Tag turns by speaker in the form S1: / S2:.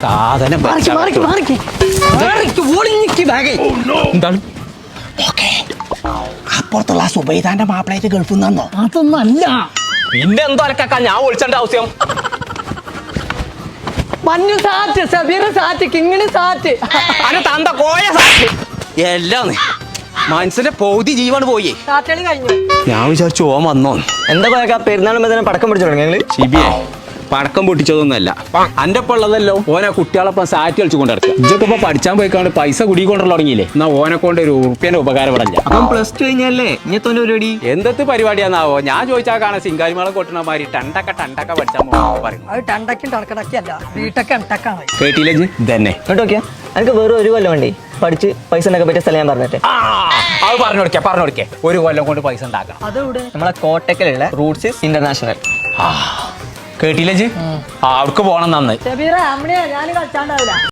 S1: സാധനം എന്താണ്
S2: അപ്പുറത്തുള്ള സുബൈദാന്റെ മാപ്പിളായിട്ട് ഗൾഫിൽ നിന്നോ?
S3: അതൊന്നും അല്ല.
S1: പിന്നെ എന്തോ അലക്കാ ഞാൻ വിളിച്ചേണ്ട ആവശ്യം.
S3: മഞ്ഞു സാറ്റ്, സബീർ സാറ്റ്, കിങ്ങിണി സാറ്റ്,
S1: അനെ തന്ത കോയ സാറ്റ് എല്ലാം മനസ്സിന്റെ പൗതി ജീവൻ പോയി.
S3: സാറ്റുകളി കഴിഞ്ഞു.
S1: ഞാൻ വിചാരിച്ചു ഓൻ വന്നോ.
S4: എന്താ പറയാ പെരുന്നാളും തന്നെ പടക്കം പിടിച്ചു തുടങ്ങി ഞങ്ങള്.
S1: ശിബിയെ പടക്കം പൊട്ടിച്ചതൊന്നുമല്ല, അന്റെ ഒപ്പം ഉള്ളതല്ലോ. ഓനെ കുട്ടികളൊപ്പം സാറ്റ് കളിച്ചു കൊണ്ട് നടക്കുക. ഇതൊക്കെ ഇപ്പൊ പഠിച്ചാൻ പോയിക്കാണ്ട് പൈസ കുടിക്കൊണ്ടുള്ള തുടങ്ങിയില്ലേ. എന്നാ ഓനെ കൊണ്ട് ഒരു ഉറുപ്പ്യന്റെ ഉപകാരപ്പെടില്ല.
S4: അപ്പം പ്ലസ് ടു കഴിഞ്ഞല്ലേ ഇങ്ങനത്തെ പരിപാടി?
S1: എന്തൊക്കെ പരിപാടിയാന്നാവോ? ഞാൻ ചോദിച്ചാൽ കാണാൻ സിംഗാരിമാളെ കൊട്ടണ മാതിരി ടണ്ടക്ക പഠിച്ചാൽ പറയും.
S3: അത് ടണ്ടക്കും ടണക്കടക്കി അല്ല, വീട്ടൊക്കെ എണ്ടക്കാണ്.
S1: കേട്ടില്ലേ ഇതന്നെ
S4: കേട്ടോ നോക്കിയാ എനിക്ക് വേറെ ഒരു കൊല്ലം വേണ്ടി പഠിച്ച് പൈസ ഉണ്ടാക്കാൻ പറ്റിയ സ്ഥലം ഞാൻ പറഞ്ഞിട്ട്.
S1: അത് പറഞ്ഞു കൊടുക്കേ ഒരു കൊല്ലം കൊണ്ട് പൈസ ഉണ്ടാക്കണം.
S3: അതെവിടെ?
S4: നമ്മളെ കോട്ടക്കലുള്ള റൂട്ട്സ് ഇന്റർനാഷണൽ.
S1: കേട്ടില്ലേ അവിടേക്ക് പോണം നന്ന്.
S3: സബീറ അമ്മണിയാ ഞാൻ കളിച്ചാണ്ടാവില്ല.